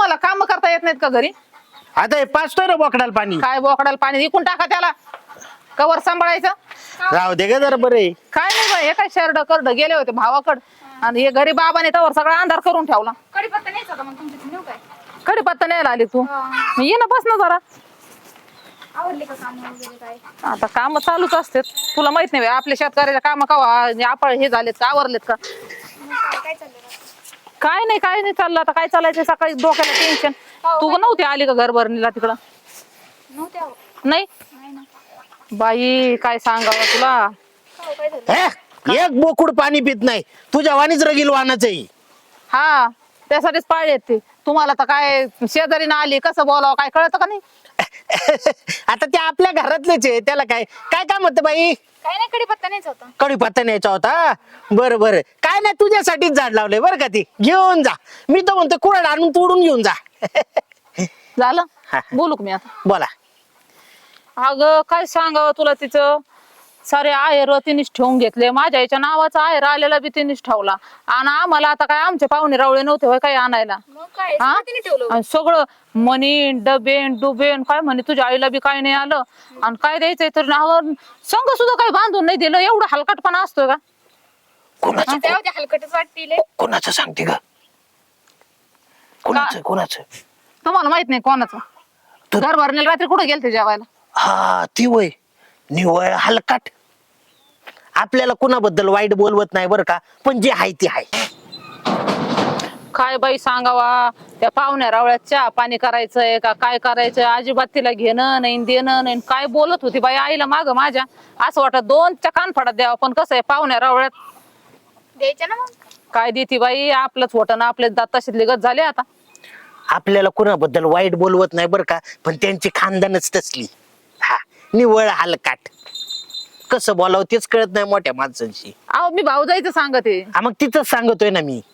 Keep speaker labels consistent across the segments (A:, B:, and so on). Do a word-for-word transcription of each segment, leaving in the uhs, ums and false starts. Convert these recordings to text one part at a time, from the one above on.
A: तुम्हाला काम करता येत नाहीत का घरी?
B: आता हे पाचतोय ना बोकडाला पाणी.
A: काय बोकडाला पाणी इकून टाका त्याला, कवर सांभाळायचं.
B: राहू दे ग जरा बरे.
A: काय नाही बाई, हे काय शर्ट करड गेले होते भावाकड आणि हे घरी बाबाने तवर सगळा अंधार करून ठेवला.
C: कडीपत्ता न्यायचा होता मग तुमच्या नेऊ काय?
A: कडीपत्ता न्यायला आली तू? मग ये ना, बस ना जरा.
C: आवडले का काम वगैरे काय?
A: आता काम चालूच असतात, तुला माहित नाही बाई, आपल्या शेतकऱ्याच्या काम कवा आपण हे झालेत का, आवरलेत का?
C: मग काय काय चाललंय बाकी?
A: काय नाही काय नाही चाललं. आता काय चालायचं, सकाळी डोक्याला टेन्शन. तू नव्हती आली का घर भरणीला तिकडं?
C: नव्हते अहो.
A: नाही
C: नाही ना.
A: बाई, काय सांगावं तुला.
C: हो, काय झालं?
B: हे, एक बोकुड पाणी पित नाही तुझ्या वाणीच रगील वाहनाचंही.
A: हा, त्यासाठीच पाळी येते तुम्हाला. तर काय शेजारीनं आली, कसं बोलावं काय कळतं का नाही?
B: आता ते आपल्या घरातलेच आहे, त्याला काय काय काम होतं बाई?
C: काय नाही, कडीपत्ता न्यायचा होता.
B: कडीपत्ता न्यायचा होता. बरं बरं, काय नाही, तुझ्यासाठीच झाड लावलंय बरं का. ती घेऊन जा. मी तर म्हणतो कुरड आणून तोडून घेऊन जा.
A: झालं
B: हा.
A: बोलू का मी आता?
B: बोला.
A: अगं काय सांगावं तुला, तिचं सारे आहेर तिनेच ठेवून घेतले. माझ्या याच्या नावाचा आहेर आलेला बी तिनेच ठेवला. आणि आम्हाला आता काय, आमचे पाहुणे रावळे नव्हते होय काही आणायला.
C: मग काय
A: हा?
C: सगळं तिने ठेवलं.
A: आणि सगळं मनी डबेन डुबेन काय म्हणे, तुझ्या आईला बी काय नाही आलं आणि काय द्यायचंय तर नावावर संघ सुद्धा काही बांधून नाही दिलं. एवढा हलकटपणा असतोय का?
B: कोणाचं
C: त्या होत्या हलकटच वाटतील.
B: कोणाचं सांगते ग? कोणाचं कोणाचं?
A: तुम्हाला माहित नाही कोणाचं?
B: तू-
A: घर भरण्याला रात्री कुठे गेलते जेवायला?
B: हा, ती वय निवळ हलकाट. आपल्याला कुणाबद्दल वाईट बोलवत नाही बरं का, पण जे आहे ते आहे.
A: काय बाई सांगावा, त्या पाहुण्या रावळ्यात चहा पाणी करायचंय का काय करायचंय, अजिबात तिला घेणं नाही देणं नाही. काय बोलत होती बाई आईला माग माझ्या, असं वाटत दोनच्या कानफडात द्यावं. पण कसं आहे, पाहुण्या रावळ्यात
C: द्यायच्या ना मग.
A: काय देती बाई, आपलंच होतं ना, आपले दात तशीच लिगत झाले आता.
B: आपल्याला कुणाबद्दल वाईट बोलवत नाही बरं का, पण त्यांची खानदानच तसली. हा, निवळ हलकाट. कसं बोलावं तेच कळत नाही मोठ्या माणसांशी.
A: अहो मी भाऊ जायचं सांगते.
B: हा, मग तिथंच सांगतोय ना मी.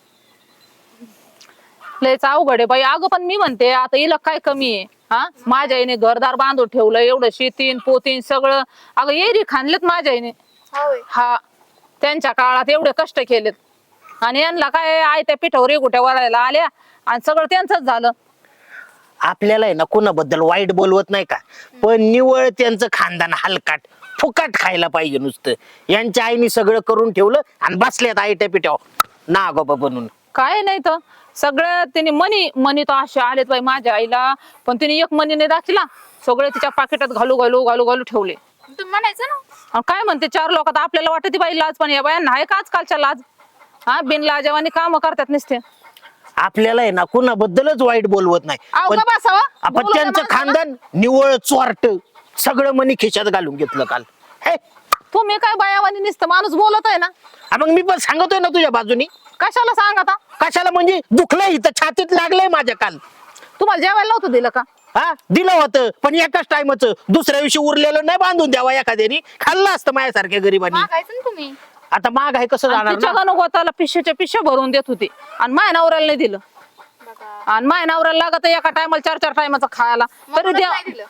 A: लयच अवघड आहे बाई. अगं पण मी म्हणते, आता हिला काय कमी आहे? हा, माझ्या आईने घरदार बांधून ठेवलं, एवढं शेतीन पोतीन सगळं. अगं एरी खाणलेत माझ्या आईने.
C: होय.
A: हा, त्यांच्या काळात एवढे कष्ट केलेत आणि यांना काय आई त्या पिठावर एकुट्या वरायला आल्या आणि सगळं त्यांचंच झालं.
B: आपल्याला आहे ना कुणाबद्दल वाईट बोलवत नाही का, पण निवळ त्यांचं खानदान हलकाट फुकाट खायला पाहिजे नुसतं. यांच्या आईने सगळं करून ठेवलं आणि बसल्यात आईट्या पिठ्यावर ना गोबा बनून.
A: काय नाही तर सगळं तिने मनी मनी तर असे आलेत बाई माझ्या आईला, पण तिने एक मनी नाही दाखिला. सगळे तिच्या पाकिटात घालू घालू घालू घालू ठेवले.
C: तुम्ही म्हणायचं ना.
A: आणि काय म्हणते, चार लोकात आपल्याला वाटत बाई लाज, पण या बायांना आहे का आजकालच्या लाज? हा, बिन लाजवानी काम करतात नुसते.
B: आपल्याला आहे ना कुणाबद्दलच वाईट बोलवत नाही,
A: अहो
B: पण
A: का बसावं?
B: आपण
A: बोलू द्या
B: त्यांचं
A: माणसाला.
B: खानदान निवळ चोरट सगळं मनी खिशात घालून घेतलं काल. हे,
A: तुम्ही काय बायावानी नुसतं माणूस बोलत आहे ना.
B: हा, मग मी पण सांगतोय ना तुझ्या बाजूनी.
A: कशाला सांग आता?
B: कशाला म्हणजे दुखलंय, इथं छातीत लागलंय माझ्या काल.
A: तुम्हाला जेवायला नव्हतं दिलं का?
B: हा, दिलं होतं, पण एकाच टायमाच. दुसऱ्या दिवशी उरलेलं नाही बांधून द्यावा एखाद्यानी. खाल्लं असतं माझ्यासारख्या गरीबांनी.
C: मागायचं ना तुम्ही.
B: आता माग आहे कसं जाणार
A: तिच्या
B: ना?
A: गणगोताला पिशेच्या पिशे भरून देत होती आणि माय नवऱ्याला नाही दिलं.
C: बघा.
A: आणि माय नवऱ्याला लागत एका टायमाला चार चार टायमाचं खायला, तरी
C: म्हणूनच
A: द्या.
C: नाही दिलं.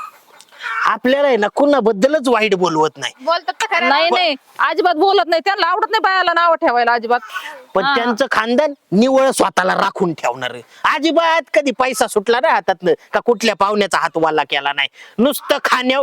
B: आपल्याला आहे ना कुणाबद्दलच वाईट बोलवत नाही,
C: बोलतात तर खरं.
A: नाही नाही, अजिबात बोलत नाही. त्यांना आवडत नाही बायाला नाव ठेवायला अजिबात.
B: पण
A: हा.
B: त्यांचं खानदान निवळ स्वतःला राखून ठेवणार. अजिबात कधी पैसा सुटला ना हातातनं का कुठल्या पाहुण्याचा हात वाला केला नाही. नुसतं खाण्याव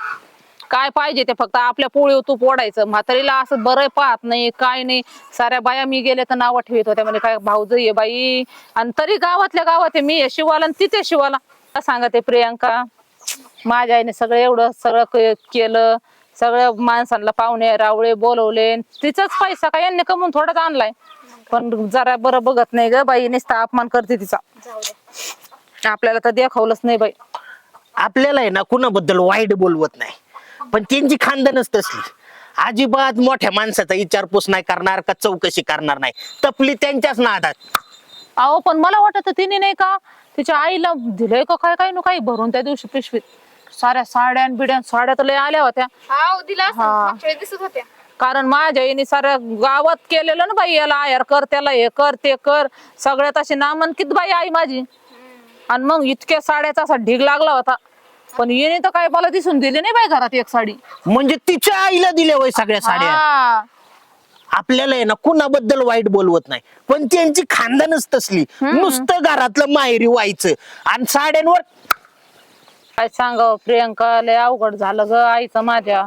A: काय पाहिजे ते फक्त आपल्या पोळीवर तूप ओढायचं. म्हातारीला असं बरं पाहत नाही काय नाही. साऱ्या बाया मी गेले तर नावं ठेवत होत्या, म्हणजे काय भाऊज ये बाई. आणि तरी गावातल्या गावात आहे, मी हे शिवाला आणि तिथे शिवाला. सांगा ते प्रियांका, माझ्या आईने सगळं एवढं सगळं के- केलं. सगळं माणसांना पाहुणे रावळे बोलवले. तिचाच पैसा काय यांनी कमवून थोडाच आणलाय, पण जरा बरं बघत नाही ग बाई. नुसता अपमान करते तिचा.
C: जाऊ दे.
A: आपल्याला तर देखावलंच नाही बाई.
B: आपल्याला आहे ना कुणाबद्दल वाईट बोलवत नाही, पण त्यांची खानदानच तसली. अजिबात मोठ्या माणसाचा विचारपूस नाही करणार का चौकशी करणार नाही. तपली त्यांच्याच नादात.
A: अहो पण मला वाटत तिने नाही का तिच्या आईला दिलंय का काय काय नु काही भरून त्या दिवशी पिशवीत. साऱ्या साड्या बिड्या, साड्या तर लय आल्या होत्या.
C: हा दिला असं
A: हा.
C: मागच्या वेळी दिसत होत्या.
A: कारण माझ्या आईने साऱ्या गावात केलेलं ना बाई, याला आयर कर, त्याला हे कर ते कर. सगळ्यात अशी नामांकित बाई आई माझी. आणि मग इतक्या साड्याचा असा ढीग लागला होता, पण येणे तर काय मला दिसून दिली नाही बाई घरात एक साडी.
B: म्हणजे तिच्या आईला दिल्या वय सगळ्या साड्या.
A: हा.
B: आपल्याला आहे ना कुणाबद्दल वाईट बोलवत नाही, पण त्यांची खानदानच तसली, नुसतं घरातलं माहेरी व्हायचं आणि साड्यांवर.
A: काय सांगावं प्रियंका, लय अवघड झालं ग आईचं माझ्या.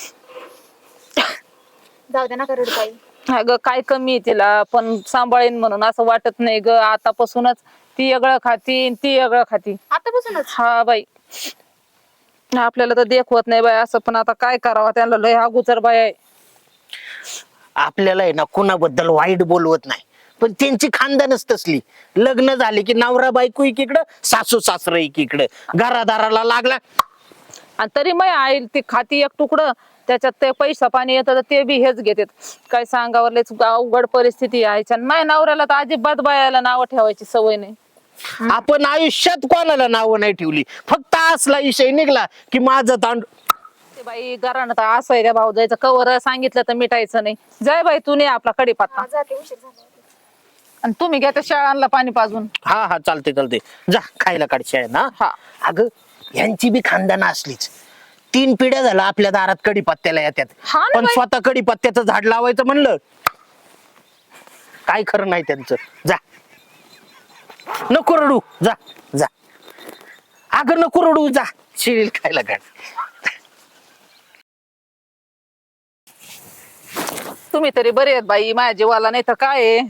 C: जाऊ दे ना करोड बाई.
A: अगं काय कमी आहे तिला, पण सांभाळीन म्हणून असं वाटत नाही ग. आतापासूनच ती वेगळं खाती आणि ती वेगळं खाती.
C: आतापासूनच
A: हा बाई, आपल्याला तर देखवत नाही बाई असं, पण आता काय करावं, त्यांना लय अगोदर बाई आहे.
B: आपल्याला आहे ना कुणाबद्दल वाईट बोलवत नाही, पण त्यांची खानदानच तसली. लग्न झाले की नवरा बायको एकीकडं, सासू सासरा एकीकडं, घरादाराला लागला.
A: आणि तरी मग आई ती खाती एक तुकडं, त्याच्यात ते पैसा पाणी येतं तर ते बी हेच घेतात. काय सांगावं, लयच अवघड परिस्थिती आहे. माझ्या नवऱ्याला तर अजिबात बायाला नावं ठेवायची सवय नाही.
B: आपण आयुष्यात कोणाला नावं नाही ठेवली, फक्त असला विषय निघला की माझं तांड.
A: ते बाई घरानं तर असं आहे, त्या भाऊ जायचं कवर सांगितलं तर मिटायचं नाही. जय बाई तू नाही आपला कडीपत्ता.
C: हा, जाते उशीर झाला.
A: आणि तुम्ही घ्या त्या शाळांना पाणी पाजून.
B: हा हा चालते चालते, जा खायला काढशी आहे ना.
A: हा.
B: अगं यांची बी खानदान असलीच. तीन पिढ्या झाला आपल्या दारात कडीपत्त्याला येतात,
A: हा ना
B: पण
A: बाई.
B: स्वतः कडीपत्त्याचं झाड लावायचं म्हणलं काय खरं नाही त्यांचं. जा नको रडू, जा जा. अगं नको रडू, जा शिळील खायला काढ.
A: तुम्ही तरी बरे आहेत बाई, माझ्या जीवाला नाही तर काय आहे.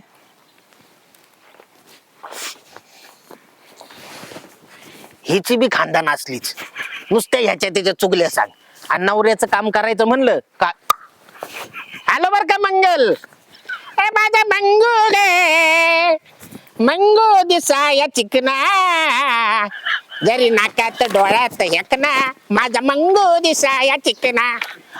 B: हिची बी खानदान असलीच, नुसत्या ह्याच्या त्याच्या चुगल्या सांग. आणि नवऱ्याचं काम करायचं म्हणलं का आलो बर का मंगल. ए माझा मंगू रे, मंगू दिसाया चिकना, जरी नाकात डोळ्यात हेकना, माझा मंगू दिसाया चिकना.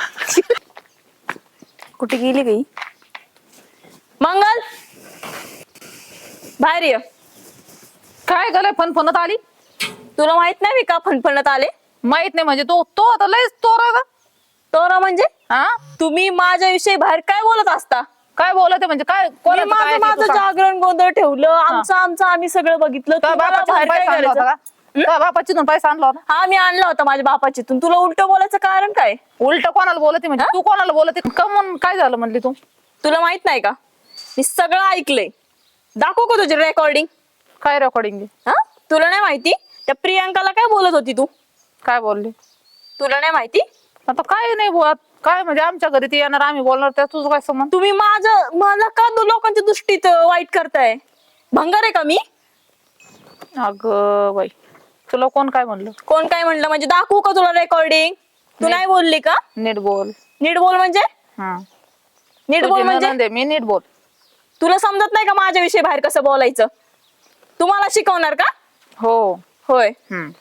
D: कुठे गेली गई मंगल? बाहेर ये.
A: काय गलय फणफणत आली?
D: तुला माहित नाही मी का फणफणत आले?
A: माहित नाही म्हणजे तो तो आता लयच तोरा ग.
D: तर म्हणजे
A: हा
D: तुम्ही माझ्याविषयी बाहेर काय बोलत असता?
A: काय बोलत म्हणजे काय
D: मी
A: कोणाचं काय
D: माझं
A: आहे ते
D: माझं
A: तू सांग.
D: जागरण गोंधळ ठेवलं, आमचं आमचं आम्ही सगळं बघितलं.
A: तुझ्या
D: तुम्हाला
A: बापाची
D: बाहेर काय
A: पैसा आणला होता
D: करायचं?
A: का? तुझ्या बापाची दोन पैसा आणला होता?
D: हा मी आणला होता माझ्या बापाचीतून. तुला उलट बोलायचं कारण काय?
A: उलट कोणाला बोलते म्हणजे
D: हा?
A: तू कोणाला बोलते? कमून काय झालं म्हणली तू?
D: तुला माहित नाही का मी सगळं ऐकलंय. दाखवू का तुझी रेकॉर्डिंग?
A: काय रेकॉर्डिंग?
D: हा तुला नाही माहिती त्या प्रियांकाला काय बोलत होती तू?
A: काय बोलली?
D: तुला नाही माहिती?
A: आता काय नाही बोलत. काय म्हणजे आमच्या घरी ती येणार आम्ही बोलणार, त्या तुझं काय संबंध?
D: तुम्ही माझं मला का दो- लोकांच्या दृष्टीत अं, वाईट करताय? भंगार आहे का मी?
A: अगं बाई, तुला कोण काय म्हणलं?
D: कोण काय म्हणलं म्हणजे? दाखवू का तुला रेकॉर्डिंग? तू
A: नाही.
D: नाही बोलली का?
A: नीट बोल.
D: नीट बोल म्हणजे?
A: हा
D: नीट बोल म्हणजे
A: नणंद आहे, मी नीट बोल.
D: तुला समजत नाही का माझ्याविषयी बाहेर कसं बोलायचं? तुम्हाला शिकवणार का?
A: हो.
D: होय.
A: हम्म.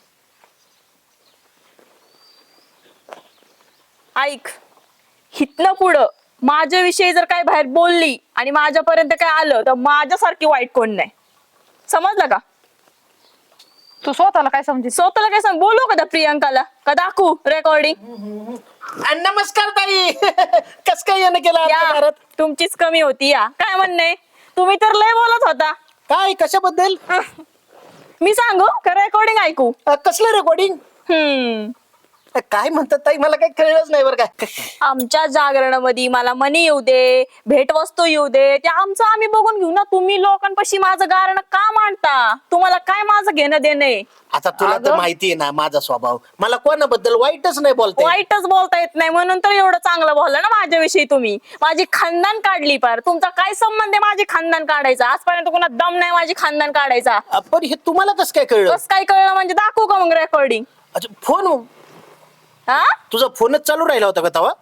D: ऐक, हितनं पुढं माझ्याविषयी जर काय बाहेर बोलली आणि माझ्यापर्यंत काय आलं तर माझ्यासारखी वाईट कोण नाही. समजलं का?
A: तू स्वतःला काय समजी?
D: स्वतःला काय सांग? बोलू का त्या प्रियांकाला का दाखवू रेकॉर्डिंग?
B: आणि नमस्कार ताई. कस काय येणं केलं आमच्या
D: या
B: घरात?
D: तुमचीच कमी होती. या काय म्हणणे? तुम्ही तर लय बोलत होता.
B: काय कशाबद्दल?
D: मी सांगू का रेकॉर्डिंग ऐकू?
B: अ, कसलं रेकॉर्डिंग?
D: हम्म
B: काय म्हणतात ताई, मला काही कळलंच नाही बरं काय.
D: आमच्या जागरणामध्ये मला मनी येऊ दे, भेटवस्तू येऊ दे, ते आमचं आम्ही बघून घेऊ ना. तुम्ही लोकांपाशी माझं गारणं का मांडता? तुम्हाला काय माझं घेणं देणं आहे?
B: आता तुला तर
A: अगं.
B: माहिती आहे ना माझा स्वभाव, मला कोणाबद्दल वाईटच नाही बोलते.
D: वाईटच बोलता येत नाही म्हणून तर एवढं चांगलं बोलला ना माझ्याविषयी तुम्ही. माझी खानदान काढली पार. तुमचा काय संबंध आहे माझी खानदान काढायचा? आजपर्यंत कोणा दम नाही माझी खानदान काढायचा.
B: अ, पण हे तुम्हाला कसं काय कळलं?
D: बस काय कळलं म्हणजे? दाखवू का मग रेकॉर्डिंग?
B: अच्छा फोन,
D: हा
B: तुझा फोनच चालू राहिला होता का तेव्हा?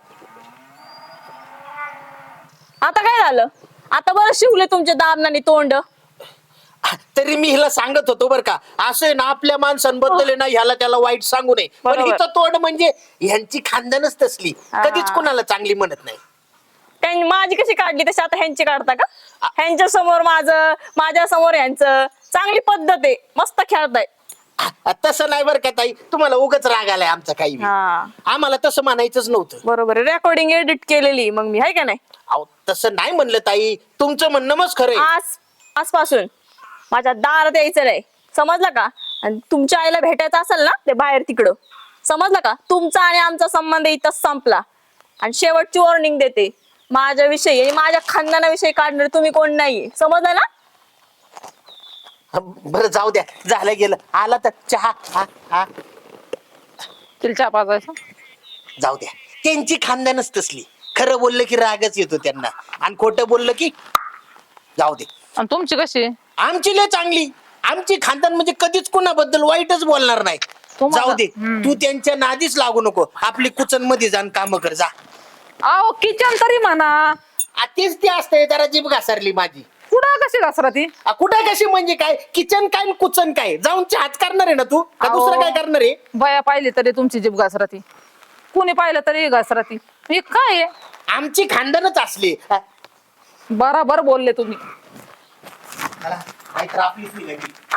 D: आता काय झालं? आता बरं शिवले तुमचे दाबनाने तोंड.
B: तरी मी हिला सांगत होतो बरं का, असं आहे ना आपल्या माणसांबद्दल आहे ना ह्याला त्याला वाईट सांगू नये. पण
A: बरोबर.
B: हिचं तोंड म्हणजे ह्यांची खानदानच तसली,
D: हा.
B: कधीच कुणाला चांगली म्हणत नाही.
D: त्यांनी माझी कशी काढली तशी आता ह्यांची काढता का? ह्यांच्या समोर माझं, माझ्या समोर ह्यांचं. चांगली पद्धत आहे, मस्त खेळताय.
B: आ, तसं नाही बरं का ताई, तुम्हाला उगाच राग आलाय आमचा काही बी.
D: हा
B: आम्हाला तसं म्हणायचंच नव्हतं.
D: बरोबर आहे. रेकॉर्डिंग एडिट केलेली मग मी, आहे का नाही?
B: अहो तसं नाही म्हणलं ताई, तुमचं म्हणणं मग खरंय.
D: आज आजपासून माझ्या दारात यायचं नाही, समजलं का? आणि तुमच्या आईला भेटायचं असेल ना ते बाहेर तिकडं, समजलं का? तुमचा आणि आमचा संबंध इथंच संपला. आणि शेवटची वॉर्निंग देते, माझ्याविषयी आणि माझ्या खानदानाविषयी काढणार तुम्ही कोण नाहीये, समजलं ना?
B: बरं जाऊ द्या, झालं गेलं. आला तर चहा. हा हा
A: तिला चहा पाजायचा.
B: जाऊ द्या, त्यांची खानदानच तसली. खरं बोललं की रागच येतो त्यांना, आणि खोटं बोललं की जाऊ दे.
A: आणि तुमची कशी?
B: आमची लय चांगली. आमची खानदान म्हणजे कधीच कोणाबद्दल वाईटच बोलणार नाही.
A: तुम्हाला-
B: जाऊ दे,
A: हम्म.
B: तू त्यांच्या नादीच लागू नको. आपली कुचन मध्ये जाऊन काम कर जा.
A: अहो किचन तरी म्हणा.
B: आ, तेच ते असतंय, जरा जीभ घासारली माझी.
A: कुठं कशी घसरा ती?
B: आ, कुठं कशी म्हणजे काय? किचन काय आणि कुचन काय? जाऊन चहाच करणार आहे ना तू, का
A: अहो.
B: दुसरं काय करणार आहे?
A: बाया पाहिली तरी तुमची जीभ घसरा ती, कुणी पाहिलं तरी घसरा ती. हे काय आहे?
B: आमची खानदानच असली. आ,
A: बराबर बोलले तुम्ही.
B: चला, नाहीतर आपलीच निघाली.